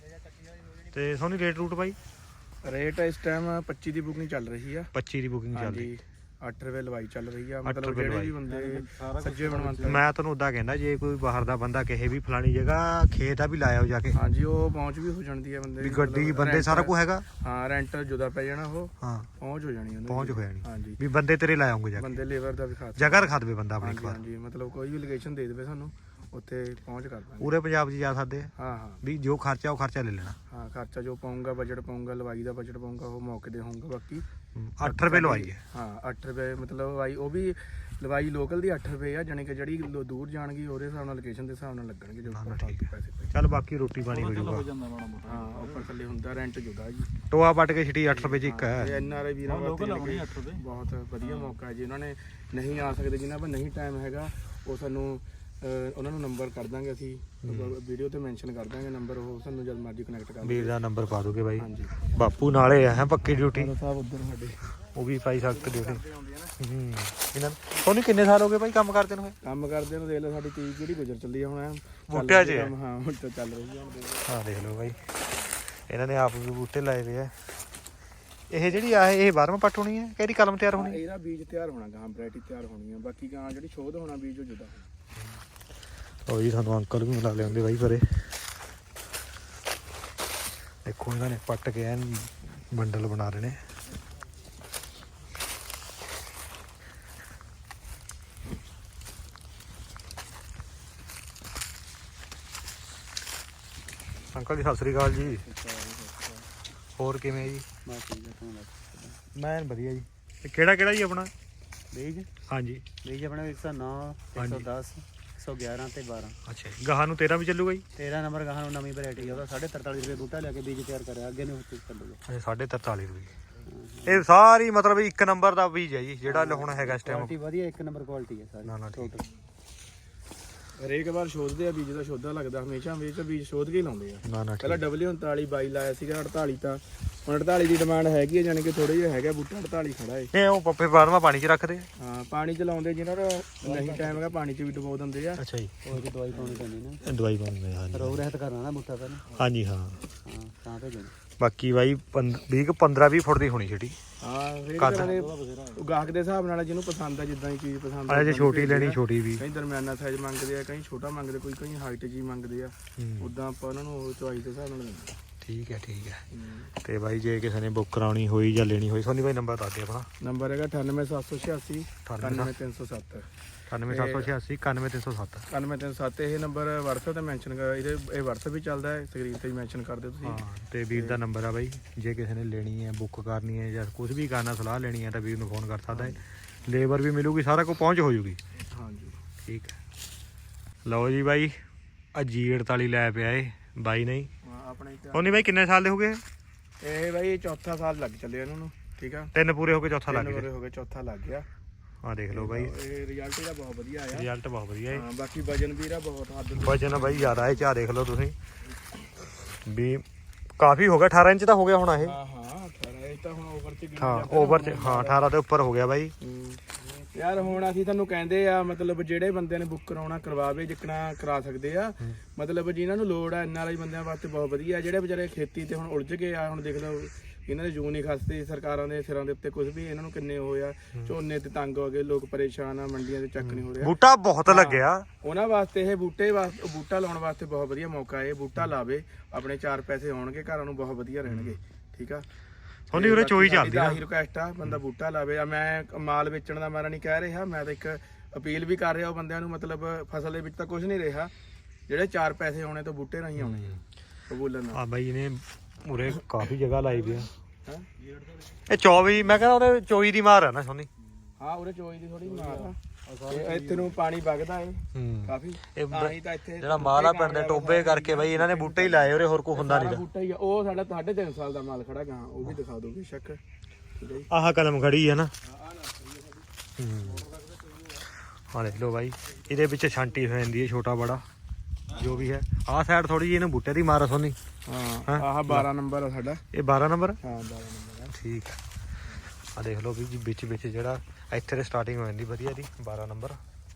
S1: ਤੇ ਸੋਨੀ ਰੇਟ ਰੂਟ ਬਾਈ
S2: ਰੇਟ ਇਸ ਟਾਈਮ 25 ਦੀ ਬੁਕਿੰਗ ਚੱਲ ਰਹੀ ਆ
S1: 25 ਦੀ ਬੁਕਿੰਗ ਚੱਲਦੀ
S2: 8 ਰੁਪਏ ਲਵਾਈ ਚੱਲ ਰਹੀ ਆ
S1: ਅੱਠ
S2: ਮਤਲਬ
S1: ਰੁਪਏ
S2: ਜਿਹੜੇ ਵੀ ਬੰਦੇ ਸੱਜੇ ਬਣਵੰਤ
S1: ਮੈਂ ਤੁਹਾਨੂੰ ਉਦਾਂ ਕਹਿੰਦਾ ਜੇ ਕੋਈ ਬਾਹਰ ਦਾ ਬੰਦਾ ਕਹੇ ਵੀ ਫਲਾਣੀ ਜਗ੍ਹਾ ਖੇਤ ਆ ਵੀ ਲਾਇਆ ਹੋ ਜਾ ਕੇ
S2: ਹਾਂਜੀ ਉਹ ਪਹੁੰਚ ਵੀ ਹੋ ਜਾਂਦੀ ਆ ਬੰਦੇ
S1: ਵੀ
S2: ਦੀ,
S1: ਗੱਡੀ
S2: ਮਤਲਬ
S1: ਬੰਦੇ
S2: rent-
S1: ਸਾਰਾ ਕੁਝ ਹੈਗਾ
S2: ਹਾਂ ਰੈਂਟ ਜੁਦਾ ਪੈ ਜਾਣਾ ਉਹ
S1: ਹਾਂ
S2: ਪਹੁੰਚ ਹੋ ਜਾਣੀ ਉਹਨਾਂ
S1: ਪਹੁੰਚ ਹੋ ਜਾਣੀ
S2: ਹਾਂਜੀ
S1: ਵੀ ਬੰਦੇ ਤੇਰੇ ਲਾਏ ਹੋਣਗੇ ਜਾ ਕੇ
S2: ਬੰਦੇ ਲੇਬਰ ਦਾ ਵੀ ਖਾਸ
S1: ਜਗ੍ਹਾ ਰਖਾ ਦੇਵੇ ਬੰਦਾ ਆਪਣੀ ਇੱਕ
S2: ਹਾਂਜੀ
S1: ਵਾਰ
S2: ਹਾਂਜੀ ਮਤਲਬ ਕੋਈ ਵੀ ਲੋਕੇਸ਼ਨ ਦੇ ਦੇਵੇ ਸਾਨੂੰ ਉੱਥੇ ਪਹੁੰਚ ਕਰ ਦਾਂਗੇ
S1: ਪੂਰੇ ਪੰਜਾਬ 'ਚ ਜਾ ਸਕਦੇ ਆ
S2: ਹਾਂ ਹਾਂ
S1: ਵੀ ਜੋ ਖਰਚਾ ਉਹ ਖਰਚਾ ਲੈ ਲੈਣਾ
S2: ਹਾਂ ਖਰਚਾ ਜੋ ਪਾਉਂਗਾ ਬਜਟ ਪਾਉਂਗਾ ਲਵਾਈ ਦਾ ਬਜਟ ਪਾਉਂਗਾ ਉਹ ਮੌਕੇ ਦੇ ਹੋਊਗਾ ਬਾਕੀ
S1: 8 ਰੁਪਏ ਲਵਾਈ ਹੈ
S2: ਹਾਂ 8 ਰੁਪਏ ਮਤਲਬ ਲਵਾਈ ਉਹ ਵੀ ਲਵਾਈ ਲੋਕਲ ਦੀ 8 ਰੁਪਏ ਆ ਜਾਣੀ ਕਿ ਜਿਹੜੀ ਦੂਰ ਜਾਣਗੀ ਉਹਦੇ ਹਿਸਾਬ ਨਾਲ ਲੋਕੇਸ਼ਨ ਦੇ ਹਿਸਾਬ ਨਾਲ ਲੱਗਣਗੇ ਜੋ
S1: ਠੀਕ ਹੈ।
S2: ਪੈਸੇ
S1: ਚੱਲ ਬਾਕੀ ਰੋਟੀ ਪਾਣੀ ਹੋ ਜਾਊਗਾ
S2: ਹਾਂ ਉੱਪਰ ਥੱਲੇ ਹੁੰਦਾ ਰੈਂਟ ਜੁਦਾ ਜੀ
S1: ਟੋਆ ਪੱਟ ਕੇ ਛਿੱਟੀ 8 ਰੁਪਏ 'ਚ ਇੱਕ ਹੈ
S2: ਇਹ ਐਨਆਰਆਈ ਵੀਰਾਂ ਵਾਸਤੇ ਬਹੁਤ ਵਧੀਆ ਮੌਕਾ ਹੈ ਜੀ ਉਹਨਾਂ ਨੇ ਨਹੀਂ ਆ ਸਕਦੇ ਜਿਨ੍ਹਾਂ ਕੋਲ ਨਹੀਂ ਟਾਈਮ ਹੈਗਾ ਉਹ ਸਾਨੂੰ ਉਹਨਾਂ ਨੂੰ ਨੰਬਰ ਕਰ ਦਾਂਗੇ ਅਸੀਂ ਵੀਡੀਓ ਤੇ ਮੈਂਸ਼ਨ ਕਰ ਦਾਂਗੇ ਨੰਬਰ ਉਹ ਸਾਨੂੰ ਜਦ ਮਰਜ਼ੀ ਕਨੈਕਟ ਕਰ
S1: ਵੀਰ ਦਾ ਨੰਬਰ ਪਾ ਦੋਗੇ ਬਾਈ
S2: ਹਾਂਜੀ
S1: ਬਾਪੂ ਨਾਲੇ ਆ ਹੈ ਪੱਕੀ ਡਿਊਟੀ
S2: ਸਾਹਿਬ ਉੱਧਰ ਸਾਡੇ
S1: ਉਹ ਵੀ ਪਾਈ ਸਕਦੇ ਡਿਊਟੀ ਇਹਨਾਂ ਤੁਹਾਨੂੰ ਕਿੰਨੇ ਸਾਲ ਹੋ ਗਏ ਬਾਈ ਕੰਮ ਕਰਦੇ ਨੂੰ
S2: ਕੰਮ ਕਰਦੇ ਨੂੰ ਦੇਖ ਲਓ ਸਾਡੀ 30 ਕਿਹੜੀ ਗੁਜ਼ਰ ਚੱਲੀ ਆ ਹੁਣ
S1: ਬੂਟਿਆਂ 'ਚ
S2: ਹਾਂ ਹੁਣ ਤਾਂ ਚੱਲ ਰਹੀ ਆ
S1: ਹਾਂ ਦੇਖ ਲਓ ਬਾਈ ਇਹਨਾਂ ਨੇ ਆਪ ਵੀ ਬੂਟੇ ਲਾਏ ਵੇ ਆ ਇਹ ਜਿਹੜੀ ਆ ਇਹ 12ਵਾਂ ਪੱਟ ਹੋਣੀ ਹੈ ਕਿਹੜੀ ਕਲਮ ਤਿਆਰ ਹੋਣੀ
S2: ਇਹਦਾ ਬੀਜ ਤਿਆਰ ਹੋਣਾ ਗਾਂ ਵੈਰਾਈਟੀ ਤਿਆਰ ਹੋਣੀ ਆ ਬਾਕੀ ਗਾਂ ਜਿਹੜੀ ਸ਼ੋਧ ਹੋਣਾ ਬੀਜ ਉਹ ਜੁਦਾ
S1: ਉਹ ਜੀ ਸਾਨੂੰ ਅੰਕਲ ਵੀ ਮਿਲਾ ਲਿਆਉਂਦੇ ਬਾਈ ਪਰੇ ਦੇਖੋ ਇਹਨਾਂ ਨੇ ਪੱਟ ਕੇ ਐਨ ਬੰਡਲ ਬਣਾ ਰਹੇ ਨੇ ਅੰਕਲ ਜੀ ਸਤਿ ਸ੍ਰੀ ਅਕਾਲ ਜੀ ਹੋਰ ਕਿਵੇਂ ਜੀ
S3: ਬਸ ਠੀਕ ਹੈ ਤੂੰ ਦੱਸ
S1: ਮੈਂ ਵਧੀਆ ਜੀ ਤੇ ਕਿਹੜਾ ਜੀ ਆਪਣਾ
S3: ਬੀਜ
S1: ਹਾਂਜੀ
S3: ਬੀਜ ਆਪਣਾ 109 110 111 ਤੇ 12
S1: ਅੱਛਾ ਜੀ ਗਾਹਾਂ ਨੂੰ 13 ਵੀ ਚੱਲੂਗਾ ਜੀ
S3: 13 ਨੰਬਰ ਗਾਹਾਂ ਨੂੰ ਨਵੀਂ ਵੈਰਾਈਟੀ ਆ ਉਹਦਾ 43.5 ਰੁਪਏ ਬੂਟਾ ਲਿਆ ਕੇ ਬੀਜ ਤਿਆਰ ਕਰਿਆ ਅੱਗੇ ਨੂੰ ਚੱਲੂਗਾ
S1: ਅੱਛਾ 43.5 ਰੁਪਏ ਇਹ ਸਾਰੀ ਮਤਲਬ ਇੱਕ ਨੰਬਰ ਦਾ ਬੀਜ ਹੈ ਜੀ ਜਿਹੜਾ ਹੁਣ ਹੈਗਾ ਇਸ ਟਾਈਮ
S3: ਕੁਆਲਿਟੀ ਵਧੀਆ ਇੱਕ ਨੰਬਰ ਕੁਆਲਿਟੀ ਹੈ ਸਾਰੀ
S1: ਨਾ ਠੀਕ
S2: ਹਰੇਕ ਵਾਰ ਸ਼ੋਧਦੇ ਆ ਬੀਜ ਦਾ ਸ਼ੋਧਾ ਲੱਗਦਾ ਹਮੇਸ਼ਾ ਬੀਜ ਸ਼ੋਧ ਕੇ ਹੀ ਲਾਉਂਦੇ ਆ
S1: ਨਾ
S2: ਪਹਿਲਾਂ W39 22 ਲਾਇਆ ਸੀਗਾ 48 ਤਾਂ ਹੁਣ 48 ਦੀ ਡਿਮਾਂਡ ਹੈਗੀ ਹੈ ਜਾਨੀ ਕਿ ਥੋੜਾ ਜਿਹਾ ਹੈਗਾ ਬੂਟਾ 48 ਖੜਾ ਏ
S1: ਇਹ ਉਹ ਪੱਪੇ ਬਾਰਵਾਂ ਪਾਣੀ 'ਚ ਰੱਖਦੇ
S2: ਹਾਂ ਪਾਣੀ ਚ ਲਾਉਂਦੇ ਜਿਹਨਾਂ ਦਾ ਨਹੀਂ ਟਾਈਮ ਹੈਗਾ ਪਾਣੀ ਚ ਵੀ ਡੁਬੋ ਦਿੰਦੇ ਆ
S1: ਅੱਛਾ ਜੀ
S3: ਉਹ ਚ ਦਵਾਈ ਪਾਉਣੀ ਪੈਂਦੀ ਨਾ
S1: ਦਵਾਈ ਪਾਉਂਦੇ ਹਾਂਜੀ
S3: ਰੋਗ ਰਹਿਤ ਕਰਨਾ ਨਾ ਬੂਟਾ ਪਹਿਲਾਂ
S1: ਹਾਂਜੀ ਹਾਂ
S3: ਹਾਂ ਤਾਂ ਭੇਜਣਾ
S1: ਬਾਕੀ ਬਾਈ 15-20 ਫੁੱਟ ਦੀ ਹੋਣੀ ਛੇਟੀ
S2: ਹਾਂ ਹਰੇਕ ਤਰ੍ਹਾਂ ਦੇ ਗਾਹਕ ਦੇ ਹਿਸਾਬ ਨਾਲ ਜਿਹਨੂੰ ਪਸੰਦ ਆ ਜਿੱਦਾਂ ਦੀ ਚੀਜ਼ ਪਸੰਦ
S1: ਆ ਜੇ ਛੋਟੀ ਲੈਣੀ ਛੋਟੀ ਵੀ
S2: ਕਈ ਦਰਮਿਆਨਾ ਸਾਈਜ਼ ਮੰਗਦੇ ਆ ਕਈ ਛੋਟਾ ਮੰਗਦੇ ਕਈ ਹਾਈਟ ਜੀ ਮੰਗਦੇ ਆ ਉਦਾਂ ਆਪਾਂ ਉਹਨਾਂ ਨੂੰ ਉਹ ਚੁਆਇਸ ਦੇ ਹਿਸਾਬ ਨਾਲ ਦਿੰਦੇ
S1: ਠੀਕ ਹੈ ਤੇ ਬਾਈ ਜੇ ਕਿਸੇ ਨੇ ਬੁੱਕ ਕਰਾਉਣੀ ਹੋਈ ਜਾਂ ਲੈਣੀ ਹੋਈ ਸੋਨੀ ਬਾਈ ਨੰਬਰ ਦੱਸ ਦੇ ਆਪਣਾ
S2: ਨੰਬਰ ਹੈਗਾ 98786 98307
S1: 97786 91307
S2: 99307 ਇਹ ਨੰਬਰ WhatsApp ਤੇ ਮੈਂਸ਼ਨ ਕਰ ਇਹ WhatsApp ਵੀ ਚੱਲਦਾ ਹੈ, ਸਕਰੀਨ ਤੇ ਮੈਂਸ਼ਨ ਕਰ ਦਿਓ ਤੁਸੀਂ।
S1: ਹਾਂ ਤੇ ਵੀਰ ਦਾ ਨੰਬਰ ਆ ਬਾਈ, ਜੇ ਕਿਸੇ ਨੇ ਲੈਣੀ ਹੈ, ਬੁੱਕ ਕਰਨੀ ਹੈ ਜਾਂ ਕੁਝ ਵੀ ਕਰਨਾ, ਸਲਾਹ ਲੈਣੀ ਹੈ ਤਾਂ ਵੀਰ ਨੂੰ ਫੋਨ ਕਰ ਸਕਦਾ ਹੈ। ਲੇਬਰ ਵੀ ਮਿਲੂਗੀ, ਸਾਰਾ ਕੁਝ ਪਹੁੰਚ ਹੋ ਜੂਗੀ।
S2: ਹਾਂਜੀ
S1: ਠੀਕ ਹੈ। ਲਓ ਜੀ ਬਾਈ, ਆ G48 ਲੈ ਪਿਆ ਏ ਬਾਈ ਨਹੀਂ
S2: ਆਪਣੇ
S1: ਉਹਨੇ ਬਾਈ ਕਿੰਨੇ ਸਾਲ ਦੇ ਹੋ ਗਏ?
S2: ਇਹ ਬਾਈ ਚੌਥਾ ਸਾਲ ਲੱਗ ਚੱਲੇ ਇਹਨਾਂ ਨੂੰ। ਠੀਕ ਆ,
S1: 3 ਪੂਰੇ ਹੋ ਕੇ ਚੌਥਾ ਲੱਗ ਗਿਆ।
S2: ਹੋ ਗਏ, ਚੌਥਾ ਲੱਗ ਗਿਆ।
S1: ਆ ਦੇਖ ਲਓ ਬਾਈ,
S2: ਇਹ ਰਿਜ਼ਲਟ ਇਹਦਾ ਬਹੁਤ ਵਧੀਆ ਆਇਆ।
S1: ਰਿਜ਼ਲਟ ਬਹੁਤ ਵਧੀਆ ਹੈ।
S2: ਹਾਂ ਬਾਕੀ ਵਜਨ ਵੀ ਇਹਦਾ ਬਹੁਤ ਹੱਦ
S1: ਵਜਨ ਬਾਈ ਜ਼ਿਆਦਾ ਹੈ। ਚਾਹ ਦੇਖ ਲਓ ਤੁਸੀਂ ਵੀ ਕਾਫੀ ਹੋ ਗਿਆ, 18 ਇੰਚ ਦਾ ਹੋ ਗਿਆ ਹੁਣ ਇਹ।
S2: ਹਾਂ 18 ਇਹ ਤਾਂ ਹੁਣ ਓਵਰ ਚ
S1: ਹਾਂ ਓਵਰ ਚ, ਹਾਂ 18 ਦੇ ਉੱਪਰ ਹੋ ਗਿਆ ਬਾਈ।
S2: ਯਾਰ ਹੁਣ ਅਸੀਂ ਤੁਹਾਨੂੰ ਕਹਿੰਦੇ ਆ ਮਤਲਬ ਜਿਹੜੇ ਬੰਦੇ ਨੇ ਬੁੱਕ ਕਰਾਉਣਾ ਕਰਵਾਵੇ, ਜਿੱਕਣਾ ਕਰਾ ਸਕਦੇ ਆ। ਮਤਲਬ ਜਿਨ੍ਹਾਂ ਨੂੰ ਲੋੜ ਆ NRI ਬੰਦਿਆਂ ਵਾਸਤੇ ਬਹੁਤ ਵਧੀਆ। ਜਿਹੜੇ ਵਿਚਾਰੇ ਖੇਤੀ ਤੇ ਹੁਣ ਉਲਝ ਗਏ ਆ, ਹੁਣ ਦੇਖ ਲਓ ਇਹਨਾਂ ਦੇ ਜੂਨ ਹੀ ਖਸਤੇ, ਸਰਕਾਰਾਂ ਦੇ ਸਿਰਾਂ ਦੇ ਉੱਤੇ ਕੁਝ ਵੀ ਇਹਨਾਂ ਨੂੰ ਕਿੰਨੇ ਹੋਏ ਆ, ਝੋਨੇ ਤੇ ਤੰਗ ਹੋ ਗਏ, ਲੋਕ ਪਰੇਸ਼ਾਨ ਆ, ਮੰਡੀਆਂ ਤੇ ਚੱਕ ਨਹੀਂ ਹੋ ਰਿਹਾ।
S1: ਬੂਟਾ ਬਹੁਤ ਲੱਗਿਆ
S2: ਉਹਨਾਂ ਵਾਸਤੇ ਇਹ ਬੂਟਾ ਲਾਉਣ ਵਾਸਤੇ ਬਹੁਤ ਵਧੀਆ ਮੌਕਾ ਹੈ। ਬੂਟਾ ਲਾਵੇ, ਆਪਣੇ 4 ਪੈਸੇ ਆਉਣਗੇ, ਘਰਾਂ ਨੂੰ ਬਹੁਤ ਵਧੀਆ ਰਹਿਣਗੇ। ਠੀਕ ਆ,
S1: ਉਹਦੀ ਉਰੇ ਚੋਈ ਚੱਲਦੀ ਆ।
S2: ਆਹੀ ਰਿਕੁਐਸਟ ਆ, ਬੰਦਾ ਬੂਟਾ ਲਾਵੇ। ਮੈਂ ਮਾਲ ਵੇਚਣ ਦਾ ਮਾਰਾ ਨਹੀਂ ਕਹਿ ਰਿਹਾ, ਮੈਂ ਤਾਂ ਇੱਕ ਅਪੀਲ ਵੀ ਕਰ ਰਿਹਾ ਉਹ ਬੰਦਿਆਂ ਨੂੰ। ਮਤਲਬ ਫਸਲ ਦੇ ਵਿੱਚ ਤਾਂ ਕੁਝ ਨਹੀਂ ਰਿਹਾ, ਜਿਹੜੇ 4 ਪੈਸੇ ਆਉਣੇ ਤਾਂ ਬੂਟੇ ਰਾਹੀਂ ਆਉਣੇ ਆ ਬੋਲਣ ਨਾਲ।
S1: ਆ ਬਾਈ ਇਹਨੇ ਉਰੇ ਕਾਫੀ ਜਗ੍ਹਾ ਲਾਈ ਵੀ ਆ। ਇਹ 24 ਮੈਂ ਕਹਿੰਦਾ ਉਹਦੇ ਚੋਈ ਦੀ ਮਾਰ ਆ ਨਾ ਸੋਨੀ।
S2: ਹਾਂ ਉਰੇ ਚੋਈ ਦੀ ਥੋੜੀ ਮਾਰ ਆ। ਇੱਥੇ ਨੂੰ ਪਾਣੀ ਵਗਦਾ ਏ ਕਾਫੀ, ਤਾਂ ਹੀ ਤਾਂ ਇੱਥੇ
S1: ਜਿਹੜਾ ਮਾਲ ਆ ਪਿੰਡ ਦੇ ਟੋਬੇ ਕਰਕੇ ਬਾਈ ਇਹਨਾਂ ਨੇ ਬੂਟੇ ਹੀ ਲਾਏ ਉਰੇ, ਹੋਰ ਕੋਈ ਹੁੰਦਾ ਨਹੀਂ।
S2: ਬੂਟਾ ਹੀ ਆ। ਉਹ ਸਾਡਾ 3.5 ਸਾਲ ਦਾ ਮਾਲ ਖੜਾ ਗਾ, ਉਹ ਵੀ ਦਿਖਾ ਦੋਗੇ ਸ਼ੱਕ। ਠੀਕ ਹੈ ਜੀ,
S1: ਆਹ ਕਲਮ ਖੜੀ ਹੈ ਨਾ। ਹਾਂ ਦੇਖ ਲਓ ਬਾਈ, ਇਹਦੇ ਵਿੱਚ ਛਾਂਟੀ ਹੋ ਜਾਂਦੀ ਹੈ, ਛੋਟਾ ਬੜਾ ਜੋ ਵੀ ਹੈ। ਆਹ ਸਾਈਡ ਥੋੜੀ ਜਿਹੀ ਇਹਨੂੰ ਬੂਟੇ ਦੀ ਮਾਰ ਆ ਸੋਨੀ।
S2: ਹਾਂ ਆਹ 12 ਨੰਬਰ ਆ ਸਾਡਾ।
S1: ਇਹ 12 ਨੰਬਰ।
S2: ਹਾਂ 12 ਨੰਬਰ ਆ।
S1: ਠੀਕ ਹੈ। ਆ ਦੇਖ ਲਓ ਵੀ ਵਿੱਚ ਜਿਹੜਾ ਇੱਥੇ ਤੇ ਸਟਾਰਟਿੰਗ ਹੋ ਜਾਂਦੀ ਵਧੀਆ ਦੀ 12 ਨੰਬਰ।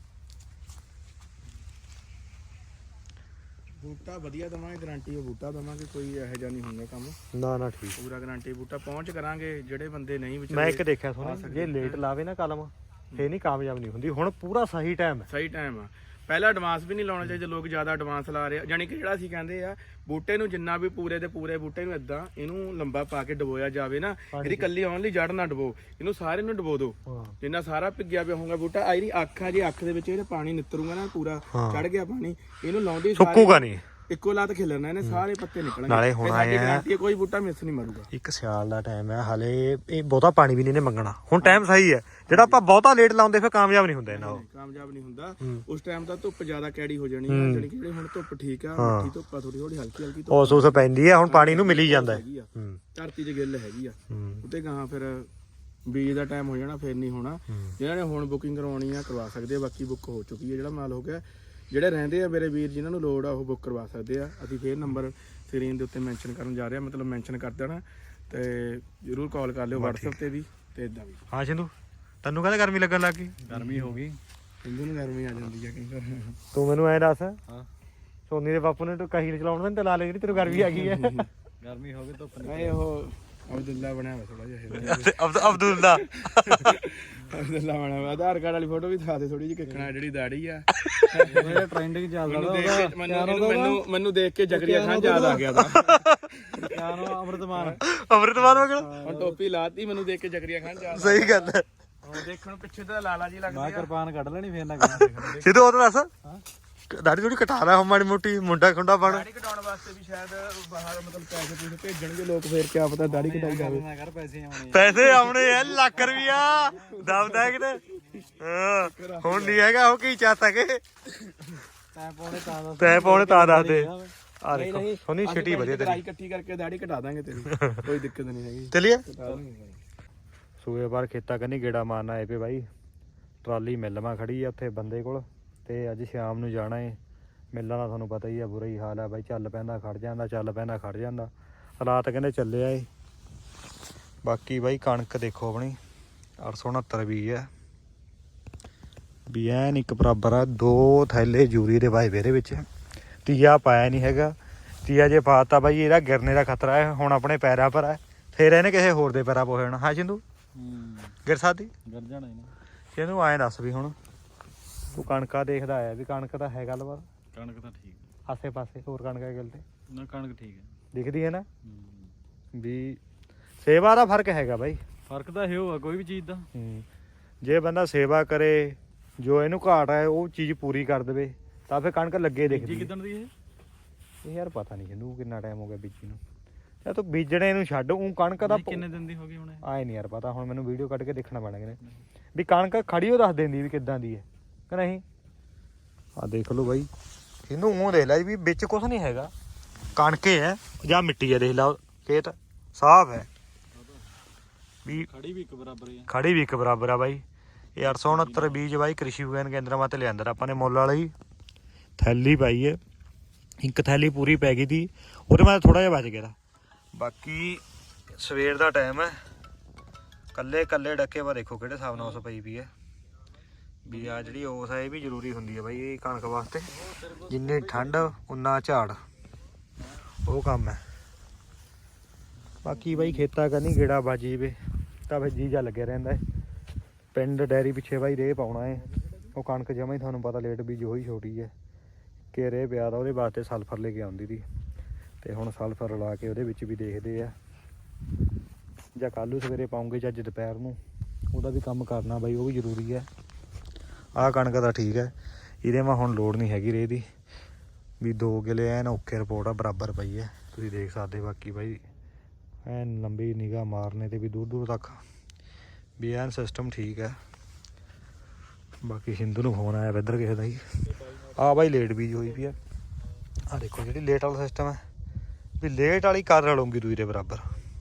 S2: ਬੂਟਾ ਵਧੀਆ ਦਵਾਂਗੇ, ਗਾਰੰਟੀ ਉਹ ਬੂਟਾ ਦਵਾਂਗੇ, ਕੋਈ ਇਹੋ ਜਿਹਾ ਨਹੀਂ ਹੁੰਦਾ ਕੰਮ।
S1: ਨਾ ਠੀਕ,
S2: ਪੂਰਾ ਗਾਰੰਟੀ ਬੂਟਾ ਪਹੁੰਚ ਕਰਾਂਗੇ। ਜਿਹੜੇ ਬੰਦੇ ਨਹੀਂ ਵਿਚਾਰੇ,
S1: ਮੈਂ ਇੱਕ ਦੇਖਿਆ ਸੋਨੀ, ਜੇ ਲੇਟ ਲਾਵੇ ਨਾ ਕਲਮ ਫੇਰ ਨਹੀਂ ਕਾਮਯਾਬ ਨਹੀਂ ਹੁੰਦੀ। ਹੁਣ ਪੂਰਾ ਸਹੀ ਟਾਈਮ ਹੈ,
S2: ਸਹੀ ਟਾਈਮ ਆ। ਪਹਿਲਾਂ ਐਡਵਾਂਸ ਵੀ ਨਹੀਂ ਲਾਉਣਾ ਚਾਹੀਦਾ, ਲੋਕ ਜ਼ਿਆਦਾ ਐਡਵਾਂਸ ਲਾ ਰਹੇ ਆ। ਜਾਨੀ ਕਿ ਜਿਹੜਾ ਅਸੀਂ ਕਹਿੰਦੇ ਆ ਬੂਟੇ ਨੂੰ ਜਿੰਨਾ ਵੀ ਪੂਰੇ ਦੇ ਪੂਰੇ ਬੂਟੇ ਨੂੰ ਇਦਾਂ ਇਹਨੂੰ ਲੰਬਾ ਪਾ ਕੇ ਡਬੋਇਆ ਜਾਵੇ ਨਾ, ਇਹਦੀ ਕੱਲੀ ਓਨਲੀ ਜੜ ਨਾ ਡਬੋ, ਇਹਨੂੰ ਸਾਰੇ ਨੂੰ ਡਬੋ ਦਿਓ। ਜਿੰਨਾ ਸਾਰਾ ਭਿੱਗਿਆ ਪਿਆ ਹੋਊਗਾ ਬੂਟਾ, ਆ ਜਿਹੜੀ ਅੱਖ ਆ, ਜੇ ਅੱਖ ਦੇ ਵਿੱਚ ਇਹਦੇ ਪਾਣੀ ਨਿੱਤਰੂਗਾ ਨਾ, ਪੂਰਾ ਚੜ ਗਿਆ ਪਾਣੀ, ਇਹਨੂੰ ਲਾਉਂਦੀ
S1: ਸੁੱਕੂਗਾ ਨਹੀਂ,
S2: ਇੱਕੋ ਲੱਤ ਖਿਲਰਨਾ, ਇਹਨੇ ਸਾਰੇ ਪੱਤੇ ਨਿਕਲਣਗੇ।
S1: ਨਾਲੇ ਹੁਣ ਆਇਆ
S2: ਕੋਈ ਬੂਟਾ ਮਿਸ ਨਹੀਂ ਮਰੂਗਾ।
S1: ਇੱਕ ਸਿਆਲ ਦਾ ਟਾਈਮ ਹੈ, ਹਲੇ ਇਹ ਬਹੁਤਾ ਪਾਣੀ ਵੀ ਨਹੀਂ ਨੇ ਮੰਗਣਾ। ਹੁਣ ਟਾਈਮ ਸਹੀ ਹੈ, ਜਿਹੜਾ ਆਪਾਂ ਬਹੁਤਾ ਲੇਟ ਲਾਉਂਦੇ ਫਿਰ ਕਾਮਯਾਬ ਨਹੀਂ ਹੁੰਦਾ ਇਹਨਾਂ।
S2: ਕਾਮਯਾਬ ਨਹੀਂ ਹੁੰਦਾ ਉਸ ਟਾਈਮ ਤਾਂ ਧੁੱਪ ਜ਼ਿਆਦਾ ਕੈੜੀ ਹੋ ਜਾਣੀ ਹੈ। ਜਿਹੜੀ ਕਿ ਹੁਣ ਧੁੱਪ ਠੀਕ ਆ, ਮਿੱਠੀ ਧੁੱਪ ਆ, ਥੋੜੀ ਥੋੜੀ ਹਲਕੀ ਹਲਕੀ ਧੁੱਪ
S1: ਉਸ ਪੈਂਦੀ ਹੈ। ਹੁਣ ਪਾਣੀ ਨੂੰ ਮਿਲੀ ਜਾਂਦਾ ਹੈ,
S2: ਧਰਤੀ 'ਚ ਗਿੱਲ ਹੈਗੀ ਆ। ਉੱਤੇ ਗਾਹਾਂ ਫਿਰ ਬੀਜ ਦਾ ਟਾਈਮ ਹੋ ਜਾਣਾ, ਫਿਰ ਨਹੀਂ ਹੋਣਾ। ਜਿਹਨਾਂ ਨੇ ਹੁਣ ਬੁਕਿੰਗ ਕਰਵਾਉਣੀ ਆ ਕਰਵਾ ਸਕਦੇ ਆ, ਬਾਕੀ ਬੁੱਕ ਹੋ ਚੁੱਕੀ ਹੈ। ਜਿਹੜਾ ਮਾਲ ਹੋ ਗਿਆ, ਜਿਹੜੇ ਰਹਿੰਦੇ ਆ ਮੇਰੇ ਵੀਰ ਜਿਨ੍ਹਾਂ ਨੂੰ ਲੋੜ ਆ ਉਹ ਬੁੱਕ ਕਰਵਾ ਸਕਦੇ ਆ। ਅਸੀਂ ਫੇਰ ਨੰਬਰ ਸਕਰੀਨ ਦੇ ਉੱਤੇ ਮੈਂਸ਼ਨ ਕਰਨ ਜਾ ਰਹੇ ਆ, ਮਤਲਬ ਮੈਂਸ਼ਨ ਕਰ ਦੇਣਾ, ਤੇ ਜ਼ਰੂਰ ਕਾਲ ਕਰ ਲਿਓ WhatsApp ਤੇ ਵੀ ਤੇ ਇਦਾਂ ਵੀ।
S1: ਹਾਂ ਸਿੰਧੂ, ਤੈਨੂੰ ਕਹਿੰਦਾ ਗਰਮੀ ਲੱਗਣ ਲੱਗ ਗਈ?
S3: ਗਰਮੀ ਹੋ ਗਈ,
S2: ਸਿੰਧੂ ਨੂੰ ਗਰਮੀ ਆ ਜਾਂਦੀ ਆ ਕਹਿੰਦਾ।
S1: ਤੂੰ ਮੈਨੂੰ ਐਂ ਦੱਸ, ਸੋਨੀ ਦੇ ਬਾਪੂ ਨੇ ਕਹੀ ਚਲਾਉਣ ਦੇ ਤੇ ਲਾ ਲੈ, ਜਿਹੜੀ ਤੈਨੂੰ ਗਰਮੀ ਆ ਗਈ ਹੈ।
S3: ਗਰਮੀ ਹੋ ਗਈ ਧੁੱਪ
S2: ਨਹੀਂ ਉਹ ਅਬਦੁੱਲਾ ਬਣਿਆ ਹੋਇਆ ਥੋੜਾ ਜਿਹਾ।
S1: ਅਬਦੁੱਲਾ
S2: ਅਬਦੁੱਲਾ ਬਣਿਆ ਹੋਇਆ। ਆਧਾਰ ਕਾਰਡ ਵਾਲੀ ਫੋਟੋ ਵੀ ਦਿਖਾ ਦੇ ਥੋੜੀ ਜਿਹੀ, ਕਿੱਕਣਾ ਜਿਹੜੀ ਦਾੜੀ ਆ।
S3: ਟ੍ਰੈਂਡਿੰਗ ਚੱਲਦਾ
S2: ਮੈਨੂੰ ਦੇਖ ਕੇ ਜਗਰੀਆ ਖਾਨ ਯਾਦ ਆ ਗਿਆ ਤਾਂ।
S3: ਅਮਰਤਮਾਨ
S1: ਵਗਲ
S2: ਹੁਣ ਟੋਪੀ ਲਾਤੀ, ਮੈਨੂੰ ਦੇਖ ਕੇ ਜਗਰੀਆ ਖਾਨ ਯਾਦ।
S1: ਸਹੀ ਗੱਲ ਹੈ।
S2: ਦੇਖਣ ਪਿੱਛੇ ਤਾਂ ਲਾਲਾ ਜੀ ਲੱਗਦੇ ਆ।
S3: ਮੈਂ ਕਿਰਪਾਨ ਕੱਢ ਲੈਣੀ ਫੇਰ ਨਾ
S1: ਸਿੱਧੂ ਉਹ ਤਾਂ ਦੱਸ, ਦਾੜੀ ਥੋੜੀ ਕਟਾ ਲੈ ਮਾੜੀ ਮੋਟੀ, ਮੁੰਡਾ ਖੁੰਡਾ ਬਣ।
S2: ਦਾੜੀ ਕਟਾਉਣ ਵਾਸਤੇ ਵੀ ਸ਼ਾਇਦ ਬਾਹਰ ਮਤਲਬ ਪੈਸੇ ਪੂਸੇ ਭੇਜਣਗੇ ਲੋਕ, ਫੇਰ ਕਿਆ ਪਤਾ ਦਾੜੀ ਕਟਾਈ ਜਾਵੇ।
S1: ਪੈਸੇ ਆਉਣੇ ਐ, ਲੱਖ ਰੁਪਿਆ ਦਬਦਾ ਕਿਤੇ। ਹੁਣ ਨਹੀਂ ਹੈਗਾ ਉਹ ਕੀ ਚਾਹਤਾ ਕਿ ਤੈ ਪਾਉਣੇ ਤਾਂ ਦੱਸ ਦੇ। ਆ ਦੇਖੋ ਸੋਨੀ ਛਿੱਟੀ ਵਧੀਆ ਤੇਰੀ,
S2: ਇਕੱਠੀ ਕਰਕੇ ਦਾੜੀ ਕਟਾ ਦਾਂਗੇ ਤੇਰੀ, ਕੋਈ ਦਿੱਕਤ ਨਹੀਂ ਹੈਗੀ।
S1: ਚਲਿਏ ਸੂਏ ਬਾਰ ਖੇਤਾਂ ਕੰਨੀ ਗੇੜਾ ਮਾਰਨਾ ਆਏ ਪਏ ਬਾਈ। ਟਰਾਲੀ ਮਿਲਵਾ ਖੜੀ ਆ ਉੱਥੇ ਬੰਦੇ ਕੋਲ, ਤੇ ਅੱਜ ਸ਼ਾਮ ਨੂੰ ਜਾਣਾ ਏ। ਮਿਲਾਂ ਦਾ ਤੁਹਾਨੂੰ ਪਤਾ ਹੀ ਆ, ਬੁਰਾ ਹੀ ਹਾਲ ਹੈ ਬਾਈ। ਚੱਲ ਪੈਂਦਾ ਖੜ ਜਾਂਦਾ, ਚੱਲ ਪੈਂਦਾ ਖੜ ਜਾਂਦਾ, ਹਾਲਾਤ ਕਹਿੰਦੇ ਚੱਲਿਆ ਏ। ਬਾਕੀ ਬਾਈ ਕਣਕ ਦੇਖੋ ਆਪਣੀ 869 ਬੀਜ ਹੈ, ਵੀ ਐਨ ਇੱਕ ਬਰਾਬਰ ਆ। 2 ਥੈਲੇ ਜੂਰੀ ਦੇ ਵਾਏ ਇਹਦੇ ਵਿੱਚ, ਤੀਆ ਪਾਇਆ ਨਹੀਂ ਹੈਗਾ। ਤੀਆ ਜੇ ਪਾਤਾ ਬਾਈ ਇਹਦਾ ਗਿਰਨੇ ਦਾ ਖਤਰਾ ਹੈ। ਹੁਣ ਆਪਣੇ ਪੈਰਾਂ ਪਰ ਹੈ, ਫੇਰ ਇਹਨੇ ਕਿਸੇ ਹੋਰ ਦੇ ਪੈਰਾਂ ਪੋ ਜਾਣਾ। ਹਾਂ ਸਿੰਧੂ, ਗਿਰ ਸਕਦੀ,
S3: ਗਿਰ ਜਾਣਾ
S1: ਇਹਨੂੰ ਐਂ ਦੱਸ ਵੀ ਹੁਣ ਤੂੰ ਕਣਕਾਂ ਦੇਖਦਾ ਆਇਆ ਵੀ ਕਣਕ ਤਾਂ ਹੈ ਗੱਲਬਾਤ?
S3: ਕਣਕ ਤਾਂ ਠੀਕ,
S1: ਆਸੇ ਪਾਸੇ ਹੋਰ ਕਣਕਾਂ ਗਿਲ ਤੇ
S3: ਨਾ ਕਣਕ ਠੀਕ ਹੈ,
S1: ਦਿਖਦੀ ਹੈ ਨਾ। ਵੀ ਸੇਵਾ ਦਾ ਫਰਕ ਹੈਗਾ ਬਾਈ।
S3: ਫਰਕ ਤਾਂ ਇਹ ਹੋਆ ਕੋਈ ਵੀ ਚੀਜ਼ ਦਾ।
S1: ਜੇ ਬੰਦਾ ਸੇਵਾ ਕਰੇ, ਜੋ ਇਹਨੂੰ ਘਾਟ ਹੈ ਉਹ ਚੀਜ਼ ਪੂਰੀ ਕਰ ਦੇਵੇ ਤਾਂ ਫਿਰ ਕਣਕ ਲੱਗੇ ਦਿਖਦੀ।
S2: ਕਿੱਦਣ ਦੀ
S1: ਇਹ ਯਾਰ ਪਤਾ ਨਹੀਂ ਇਹਨੂੰ ਕਿੰਨਾ ਟਾਈਮ ਹੋ ਗਿਆ ਬੀਜੀ ਨੂੰ। ਯਾਰ ਤੂੰ ਬੀਜਣੇ ਨੂੰ ਛੱਡ, ਉਹ ਕਣਕ ਦਾ
S2: ਕਿੰਨੇ ਦਿਨ ਦੀ ਹੋ ਗਈ ਹੁਣ?
S1: ਆਏ ਨਹੀਂ ਯਾਰ ਪਤਾ, ਹੁਣ ਮੈਨੂੰ ਵੀਡੀਓ ਕੱਢ ਕੇ ਦੇਖਣਾ ਪੈਣਾ ਕਿਨੇ ਵੀ ਕਣਕ ਖੜੀ ਉਹ ਦੱਸ ਦਿੰਦੀ ਵੀ ਕਿੱਦਾਂ ਦੀ ਹੈ ਕਿ ਨਹੀਂ। ਆ ਦੇਖ ਲਓ ਬਾਈ, ਇਹਨੂੰ ਮੂੰਹ ਦੇਖ ਲੈ ਵੀ ਵਿੱਚ ਕੁਝ ਨਹੀਂ ਹੈਗਾ, ਕਣਕੇ ਹੈ ਜਾਂ ਮਿੱਟੀ ਹੈ। ਦੇਖ ਲਾ ਖੇਤ ਸਾਫ਼ ਹੈ ਵੀ,
S2: ਖੜੀ ਵੀ ਇੱਕ ਬਰਾਬਰ ਹੀ ਆ।
S1: ਖੜੀ ਵੀ ਇੱਕ ਬਰਾਬਰ ਆ ਬਾਈ। ਇਹ 869 ਬੀਜ ਬਾਈ ਕ੍ਰਿਸ਼ੀ ਵਿਗਿਆਨ ਕੇਂਦਰ ਮਾ ਤੇ ਲਿਆਂਦਾ ਆਪਾਂ ਨੇ ਮੁੱਲ ਵਾਲੀ ਥੈਲੀ ਪਾਈ ਹੈ, ਇੱਕ ਥੈਲੀ ਪੂਰੀ ਪੈ ਗਈ ਤੀ, ਉਹਦੇ ਮੈਂ ਥੋੜਾ ਜਿਹਾ ਬਚ ਗਿਆ ਤਾ। ਬਾਕੀ ਸਵੇਰ ਦਾ ਟਾਈਮ ਹੈ, ਕੱਲੇ ਕੱਲੇ ਡੱਕੇ ਵਾ ਦੇਖੋ ਕਿਹੜੇ ਹਿਸਾਬ ਨਾਲ ਉਸ ਪਈ ਵੀ ਹੈ ਵੀ ਆ ਜਿਹੜੀ ਉਸ ਹੈ ਇਹ ਵੀ ਜ਼ਰੂਰੀ ਹੁੰਦੀ ਹੈ ਬਾਈ ਇਹ ਕਣਕ ਵਾਸਤੇ। ਜਿੰਨੀ ਠੰਡ ਉਨਾ ਝਾੜ, ਉਹ ਕੰਮ ਹੈ। ਬਾਕੀ ਬਾਈ ਖੇਤਾਂ ਕਰਨੀ ਗੇੜਾ ਵੱਜ ਜਾਵੇ ਤਾਂ ਫਿਰ ਜੀਜਾ ਲੱਗਿਆ ਰਹਿੰਦਾ ਹੈ। ਪਿੰਡ ਡੈਰੀ ਪਿੱਛੇ ਬਾਈ ਰੇਹ ਪਾਉਣਾ ਹੈ, ਉਹ ਕਣਕ ਜਮਾਂ ਹੀ ਤੁਹਾਨੂੰ ਪਤਾ ਲੇਟ ਬੀਜ ਹੋਈ ਛੋਟੀ ਹੈ ਕਿ ਰੇਹ ਪਿਆ ਦਾ, ਉਹਦੇ ਵਾਸਤੇ ਸਲਫਰ ਲੈ ਕੇ ਆਉਂਦੀ ਤੀ ਤੇ ਹੁਣ ਸਲਫਰ ਰਲਾ ਕੇ ਉਹਦੇ ਵਿੱਚ ਵੀ ਦੇਖਦੇ ਆ, ਜਾਂ ਕੱਲ੍ਹ ਨੂੰ ਸਵੇਰੇ ਪਾਉਂਗੇ ਜਾਂ ਅੱਜ ਦੁਪਹਿਰ ਨੂੰ, ਉਹਦਾ ਵੀ ਕੰਮ ਕਰਨਾ ਬਾਈ, ਉਹ ਵੀ ਜ਼ਰੂਰੀ ਹੈ। ਆਹ ਕਣਕ ਦਾ ਠੀਕ ਹੈ, ਇਹਦੇ ਮੈਂ ਹੁਣ ਲੋੜ ਨਹੀਂ ਹੈਗੀ ਰੇਹ ਦੀ ਵੀ 2 ਕਿੱਲੇ ਐਨ ਓਕੇ ਰਿਪੋਰਟ ਆ ਬਰਾਬਰ ਪਈ ਹੈ, ਤੁਸੀਂ ਦੇਖ ਸਕਦੇ। ਬਾਕੀ ਬਾਈ ਐਨ ਲੰਬੀ ਨਿਗਾਹ ਮਾਰਨੇ ਤੇ ਵੀ ਦੂਰ ਦੂਰ ਤੱਕ ਵੀ ਐਨ ਸਿਸਟਮ ਠੀਕ ਹੈ। ਬਾਕੀ ਸਿੰਧੂ ਨੂੰ ਫੋਨ ਆਇਆ ਇੱਧਰ ਕਿਸੇ ਦਾ ਹੀ, ਆ ਬਾਈ ਲੇਟ ਬੀਜ ਹੋਈ ਪਈ ਆ। ਆਹ ਦੇਖੋ ਜਿਹੜੀ ਲੇਟ ਵਾਲਾ ਸਿਸਟਮ ਹੈ ਵੀ ਲੇਟ ਵਾਲੀ ਕਰ ਰਲੂੰਗੀ ਦੂਈ ਦੇ ਬਰਾਬਰ,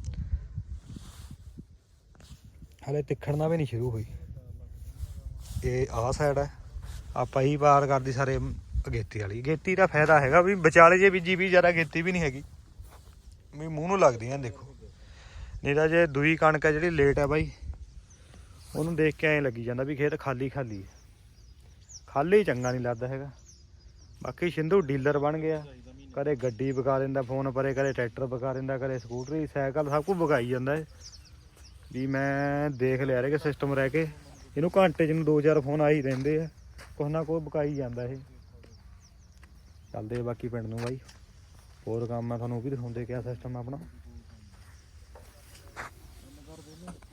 S1: ਹਲੇ ਤਿੱਖੜਨਾ ਵੀ ਨਹੀਂ ਸ਼ੁਰੂ ਹੋਈ। ਇਹ ਆਹ ਸਾਈਡ ਹੈ, ਆਪਾਂ ਹੀ ਪਾਰ ਕਰਦੀ ਸਾਰੇ ਅਗੇਤੀ ਵਾਲੀ। ਅਗੇਤੀ ਦਾ ਫਾਇਦਾ ਹੈਗਾ ਵੀ ਵਿਚਾਲੇ ਜੇ ਬੀਜੀ ਵੀ ਜ਼ਿਆਦਾ ਅਗੇਤੀ ਵੀ ਨਹੀਂ ਹੈਗੀ ਵੀ ਮੂੰਹ ਨੂੰ ਲੱਗਦੀਆਂ ਦੇਖੋ। ਨਹੀਂ ਤਾਂ ਜੇ ਦੂਈ ਕਣਕ ਹੈ ਜਿਹੜੀ ਲੇਟ ਹੈ ਬਾਈ, ਉਹਨੂੰ ਦੇਖ ਕੇ ਐਂ ਲੱਗੀ ਜਾਂਦਾ ਵੀ ਖੇਤ ਖਾਲੀ ਖਾਲੀ, ਖਾਲੀ ਚੰਗਾ ਨਹੀਂ ਲੱਗਦਾ ਹੈਗਾ। ਬਾਕੀ ਸਿੰਧੂ ਡੀਲਰ ਬਣ ਗਿਆ, ਕਦੇ ਗੱਡੀ ਵਿਕਾ ਦਿੰਦਾ ਫੋਨ ਪਰੇ, ਕਦੇ ਟਰੈਕਟਰ ਵਿਕਾ ਦਿੰਦਾ, ਕਦੇ ਸਕੂਟਰੀ ਸਾਈਕਲ ਸਭ ਕੁਝ ਵਿਕਾਈ ਜਾਂਦਾ ਹੈ ਵੀ ਮੈਂ ਦੇਖ ਲਿਆ ਰਿਹਾ ਕਿ ਸਿਸਟਮ ਰਹਿ ਕੇ ਇਹਨੂੰ ਘੰਟੇ 'ਚ ਨੂੰ 2-4 ਫੋਨ ਆ ਹੀ ਰਹਿੰਦੇ ਆ, ਕੁਛ ਨਾ ਕੁਛ ਵਿਕਾਈ ਜਾਂਦਾ ਇਹ। ਚੱਲਦੇ ਬਾਕੀ ਪਿੰਡ ਨੂੰ ਬਾਈ, ਹੋਰ ਕੰਮ ਮੈਂ ਤੁਹਾਨੂੰ ਉਹ ਵੀ ਦਿਖਾਉਂਦੇ ਕਿਆ ਸਿਸਟਮ ਆਪਣਾ।